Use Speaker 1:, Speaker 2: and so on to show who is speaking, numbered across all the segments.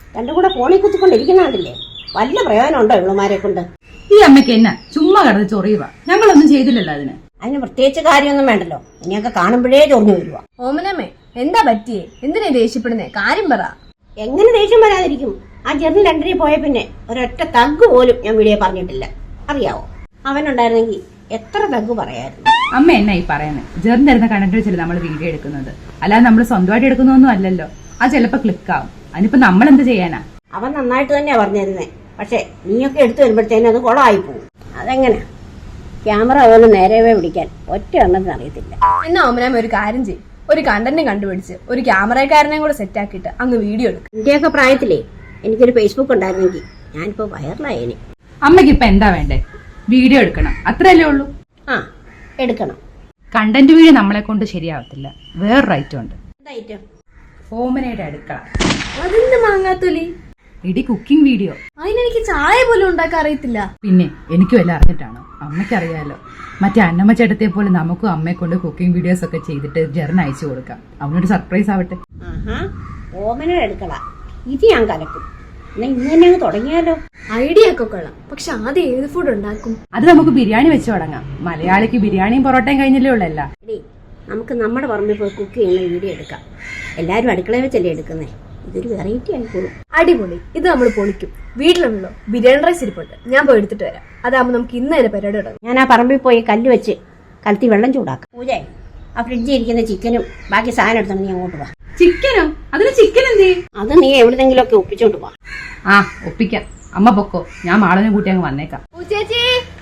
Speaker 1: രണ്ടും കൂടെ ഫോണിൽ കുത്തിക്കൊണ്ടിരിക്കുന്നില്ലേ? വല്ല പ്രയോജനം ഉണ്ടോ ഇവളുമാരെ കൊണ്ട്?
Speaker 2: ഈ അമ്മയ്ക്ക് എന്നാ ചുമ്മാ കിടന്ന് ചൊറിയുക? ഞങ്ങളൊന്നും ചെയ്തില്ലല്ലോ
Speaker 1: അതിന് പ്രത്യേകിച്ച് കാര്യമൊന്നും വേണ്ടല്ലോ. ഇനിയൊക്കെ കാണുമ്പോഴേ ചൊറിഞ്ഞു വരുവാ.
Speaker 3: ഓമനമ്മേ, എന്താ പറ്റിയേ? എന്തിനാ ദേഷ്യപ്പെടുന്നേ? കാര്യം പറ.
Speaker 1: എങ്ങനെ ദേഷ്യം വരാതിരിക്കും? ആ ജെറിന് ലണ്ടനിൽ പോയ പിന്നെ ഒരൊറ്റ തഗ് പോലും ഞാൻ വീഡിയോ പറഞ്ഞിട്ടില്ല. അറിയാവോ? അവനുണ്ടായിരുന്നെങ്കിൽ എത്ര തഗ് പറയായിരുന്നു.
Speaker 2: അമ്മ എന്നാ ഈ പറയുന്നത്? ജെറിന് തരുന്ന കണ്ടന്റ് വെച്ചല്ലേ നമ്മൾ വീഡിയോ എടുക്കുന്നത്, അല്ലാതെ നമ്മൾ സ്വന്തമായിട്ട് എടുക്കുന്നൊന്നും അല്ലല്ലോ. അത് ചിലപ്പോ ക്ലിക്ക് ആവും. അതിനിപ്പോ നമ്മൾ എന്ത് ചെയ്യാനാ?
Speaker 1: അവൻ നന്നായിട്ട് തന്നെയാ പറഞ്ഞിരുന്നേ. പക്ഷെ നീയൊക്കെ എടുത്തു വരുമ്പോഴത്തേനും അത് കുളമായി പോകും. അതെങ്ങനെ? ക്യാമറ പോലും നേരവേ പിടിക്കാൻ ഒറ്റ എണ്ണത്തിന് അറിയത്തില്ല.
Speaker 3: എന്നാ ഓമനമ്മ ഒരു കാര്യം ചെയ്യും, ഒരു കണ്ടന്റ് കണ്ടുപിടിച്ച് ഒരു ക്യാമറക്കാരനെയും കൂടെ സെറ്റ് ആക്കിയിട്ട് അങ്ങ് വീഡിയോ എടുക്കും.
Speaker 1: ഇന്ത്യയൊക്കെ പ്രായത്തിലേ എനിക്കൊരു ഫേസ്ബുക്ക് ഉണ്ടായിരുന്നെങ്കിൽ ഞാനിപ്പോ വൈറലായേനെ.
Speaker 2: അമ്മയ്ക്ക് ഇപ്പൊ എന്താ വേണ്ടേ? വീഡിയോ എടുക്കണം, അത്രയല്ലേ ഉള്ളൂ.
Speaker 1: ആ, എടുക്കണം.
Speaker 2: കണ്ടന്റ് വീഡിയോ നമ്മളെ കൊണ്ട് ശരിയാവത്തില്ല. വേറൊരു ഐറ്റം ഉണ്ട്.
Speaker 1: എന്താ?
Speaker 2: ഓമനയുടെ അടുക്കള.
Speaker 3: അതെന്ത് മാങ്ങാത്തൊലി?
Speaker 2: ഇടി കുക്കിംഗ് വീഡിയോ.
Speaker 3: അതിനെനിക്ക് ചായ പോലും ഉണ്ടാക്കാൻ അറിയത്തില്ല.
Speaker 2: പിന്നെ എനിക്കും എല്ലാം അറിഞ്ഞിട്ടാണോ? അമ്മയ്ക്കറിയാലോ. മറ്റേ അന്നമ്മ ചേട്ടത്തെ പോലെ നമുക്കും അമ്മയെ കൊണ്ട് കുക്കിംഗ് വീഡിയോസ് ഒക്കെ ചെയ്തിട്ട് ജെറിന് അയച്ചു കൊടുക്കാം. അവനൊരു സർപ്രൈസ് ആവട്ടെ.
Speaker 1: ഓമനയുടെ അടുക്കള ഇത് ഞാൻ കലക്കും. എന്നാ ഇന്ന് തന്നെ അങ്ങ് തുടങ്ങിയാലോ?
Speaker 3: ഐഡിയ ഒക്കെ കൊള്ളാം. പക്ഷെ ആദ്യം ഏത് ഫുഡ് ഉണ്ടാക്കും?
Speaker 2: അത് നമുക്ക് ബിരിയാണി വെച്ച് തുടങ്ങാം. മലയാളിക്ക് ബിരിയാണിയും പൊറോട്ടയും കഴിഞ്ഞല്ലേ ഉള്ളല്ല.
Speaker 1: നമുക്ക് നമ്മുടെ പറമ്പിൽ പോയി കുക്ക് ചെയ്യുന്ന വീഡിയോ എടുക്കാം. എല്ലാരും അടുക്കളയിൽ വെച്ചല്ലേ എടുക്കുന്നേ. ഇതൊരു വെറൈറ്റി ആയിക്കോളും.
Speaker 3: അടിപൊളി. ഇത് നമ്മൾ പൊളിക്കും. വീട്ടിലുണ്ടല്ലോ ബിരിയാണി റൈസ് ഇരിപ്പുണ്ട്, ഞാൻ പോയി എടുത്തിട്ട് വരാം. അതാകുമ്പോൾ നമുക്ക് ഇന്ന് തന്നെ പരിപാടി തുടങ്ങും.
Speaker 1: ഞാൻ ആ പറമ്പിൽ പോയി കല്ല് വെച്ച് കലത്തി വെള്ളം ചൂടാക്കാം. പൂജേ, ആ ഫ്രിഡ്ജിൽ ഇരിക്കുന്ന ചിക്കനും ബാക്കി സാധനം എടുത്തോണ്ട് നീ അങ്ങോട്ട് പോവാ.
Speaker 2: ചിക്കനോ? അതിന് ചിക്കൻ എന്തേ?
Speaker 1: അത് നീ എവിടെന്നെങ്കിലും ഒക്കെ ഒപ്പിച്ചോണ്ട് പോവാ.
Speaker 2: ആ, ഒപ്പിക്കാം. അമ്മ പൊക്കോ, ഞാൻ മാളനെ കൂട്ടി അങ്ങ് വന്നേക്കാം.
Speaker 3: ചേച്ചി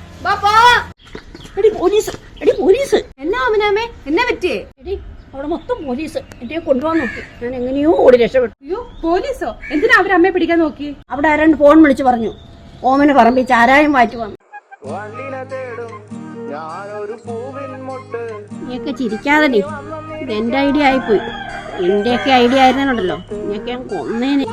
Speaker 1: എടി പോലീസ്, എടി പോലീസ്.
Speaker 3: എന്നാ ഓമനാമേ, എന്നാ പറ്റിയേ?
Speaker 1: എടി അവിടെ മൊത്തം പോലീസ്. എന്നെ കൊണ്ടുപോകാൻ നോക്കി. ഞാൻ എങ്ങനെയോ ഓടി രക്ഷപ്പെട്ടു.
Speaker 2: അയ്യോ, പോലീസോ? എന്തിനാ അവരമ്മയെ പിടിക്കാൻ നോക്കി?
Speaker 1: അവിടെ ആരാണ്ട് ഫോൺ വിളിച്ചു പറഞ്ഞു ഓമന പറമ്പിൽ ചാരായം വാറ്റി വന്നു. നീയൊക്കെ ചിരിക്കാതെ. ഇത് എന്റെ ഐഡിയ ആയിപ്പോയി. എന്റെയൊക്കെ ഐഡിയ ആയിരുന്നുണ്ടല്ലോ, നീയൊക്കെ ഞാൻ കൊന്നേനെ.